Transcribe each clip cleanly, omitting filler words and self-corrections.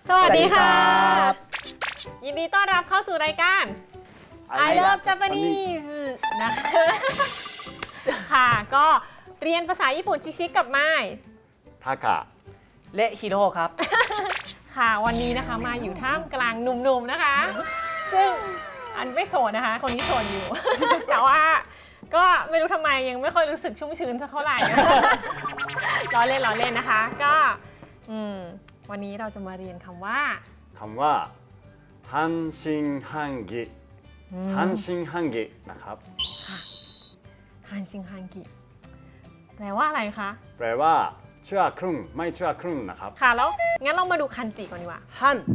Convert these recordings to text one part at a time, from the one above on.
สวัสดีค่ะสวัสดีครับยินดีต้อนรับเข้าสู่รายการ I Love Japanese นะคะค่ะก็เรียนภาษาญี่ปุ่นชิคๆกับไม้ทากะและฮิโร่ครับค่ะวันนี้นะคะมาอยู่ท่ามกลางหนุ่มๆนะคะ ซึ่งอันไม่โสดนะคะ คนนี้โสดอยู่ แต่ว่าก็ไม่รู้ทำไมยังไม่ค่อยรู้สึกชุ่มชื้นสักเท่าไหร่ ล้อเล่นนะคะก็วันนี้เราจะมาเรียนคำว่าคำว่าฮันชิงฮังกิฮันชิงฮังกินะครับค่ะฮันชิงฮังกิแปลว่าอะไรคะแปลว่าเชื่อครึ่งไม่เชื่อครึ่งนะครับค่ะแล้วงั้นเรามาดูคันจิก่อนดีกว่าฮัน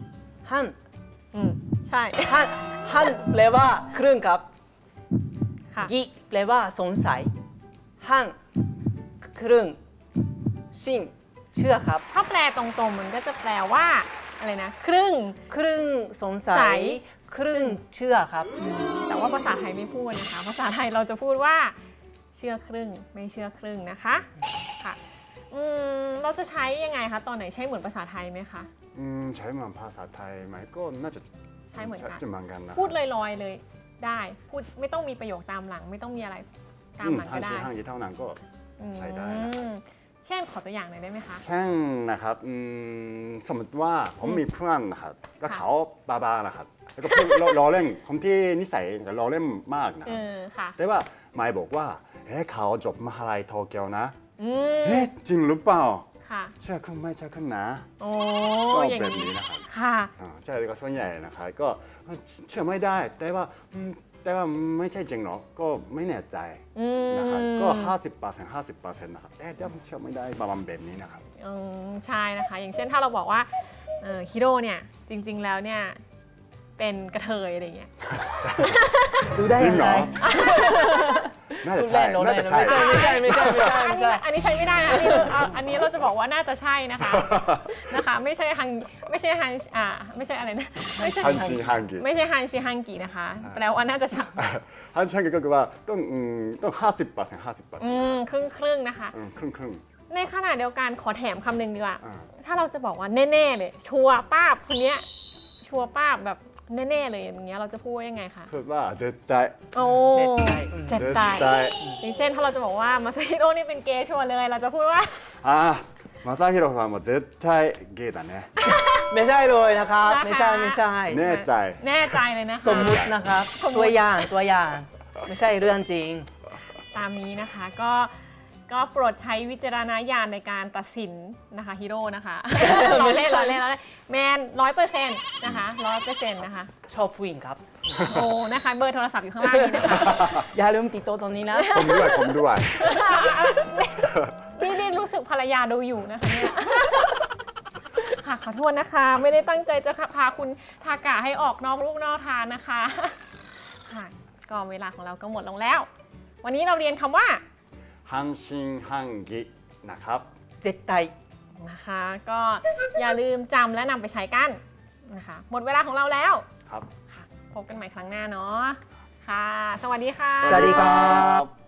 ใช่ฮันแปลว่าครึ่งครับค่ะกิแปลว่าสงสัยฮันครึ่งชิงเชื่อครับถ้าแปลตรงๆมันก็จะแปลว่าอะไรนะครึ่งครึ่งสงสัใสยครึ่งเชื่อครับแต่ว่าภาษาไทยไม่พูดนะคะ ภาษาไทยเราจะพูดว่าเชื่อครึ่งไม่เชื่อครึ่งนะคะค่ะเราจะใช้ยังไงคะตอนไหนใช้เหมือนภาษาไทยไหมคะใช้เหมือนภาษาไทยไหมก็น่าจะใช้เหมือนกันจะเหมือนกันนะพูดลอยๆเลยได้พูดไม่ต้องมีประโยคตามหลัง ไม่ต้องมีอะไรตามหลังฮัก็นได้ชิงฮังกิเท่านั้นก็ใช้ได้นะครับเช่นขอตัวอย่างหน่อยได้ไหมคะเช่นนะครับสมมติว่าผมมีเพื่อนนะครับแล้วเขาบ้าๆนะครับแล้วก็พูด ล้อเล่นคนที่นิสัยล้อเล่นมากนะครับค่ะแต่ว่าไมค์บอกว่าเขาจบมหาลัยโตเกียวนะอืมจริงหรือเปล่าค่ะเชื่อครึ่งไม่เชื่อครึ่งนะโอ้ก็อย่างแบบนี้นี้นะครับค่ะใช่ก็ส่วนใหญ่นะครับก็เชื่อไม่ได้แต่ว่าไม่ใช่จริงหรอกก็ไม่แน่ใจนะครับก็50% นะครับแต่เดี๋ยวเชื่อไม่ได้ประมาณแบบนี้นะครับใช่นะคะ อย่างเช่นถ้าเราบอกว่าฮิโร่เนี่ยจริงๆแล้วเนี่ยเป็นกระเทยอะไรอย่างเงี้ยดูได้จริยัง งเหรไงอ น่าจะใช่น่าจะใช่ไม่ใช่ไม่ใช่อันนี้ใช้ไม่ได้นะอันนี้เราจะบอกว่าน่าจะใช่นะคะไม่ใช่ฮันไม่ใช่ฮันไม่ใช่อะไรนะไม่ใช่ฮันชิงฮังกิไม่ใช่ฮันชิฮังกินะคะแปลว่าน่าจะใช่ฮันชิงฮังกิก็คือว่าต้อง50% ครึ่งนะคะครึ่งในขณะเดียวกันขอแถมคำหนึ่งดีกว่าอ่าถ้าเราจะบอกว่าแน่ๆเลยชัวร์ป้าบคนเนี้ยชัวร์ป้าบแบบแน่ๆเลยอย่างเงี้ยเราจะพูดว่ายังไงคะพูดว่าเจ็ดใจโอ้เจ็ดใจเจ็ดตายอย่างเช่นถ้าเราจะบอกว่ามาซาฮิโร่นี่เป็นเกย์ชัวร์เลยเราจะพูดว่ามาซาฮิโร่さんも絶対ゲイだねไม่ใช่เลยนะครับนะคะไม่ใช่แน่ใจแน่ใจเลยนะคะสมมุตินะครับสมมุติตัวอย่างไม่ใช่เรื่องจริงตามนี้นะคะก็โปรดใช้วิจารณญาณในการตัดสินนะคะฮีโร่นะคะ เราเล่นแมน100%นะคะ100%นะคะชอบผู้หญิงครับโอ้นะคะเบอร์โทรศัพท์อยู่ข้างล่างนี้นะคะอย่าลืมติดตัวตรงนี้นะผมด้วยนี่รู้สึกภรรยาดูอยู่นะคะเนี่ย ค่ะขอโทษนะคะ ไม่ได้ตั้งใจจะพาคุณทากะให้ออกนอกลูกนอกทางนะคะ ค่ะก็เวลาของเราก็หมดลงแล้ว วันนี้เราเรียนคำว่าฮันชิงฮังกินะครับ絶対นะคะก็อย่าลืมจำและนำไปใช้กันนะคะหมดเวลาของเราแล้วครับค่ะพบกันใหม่ครั้งหน้าเนาะค่ะ สวัสดีค่ะสวัสดีครับ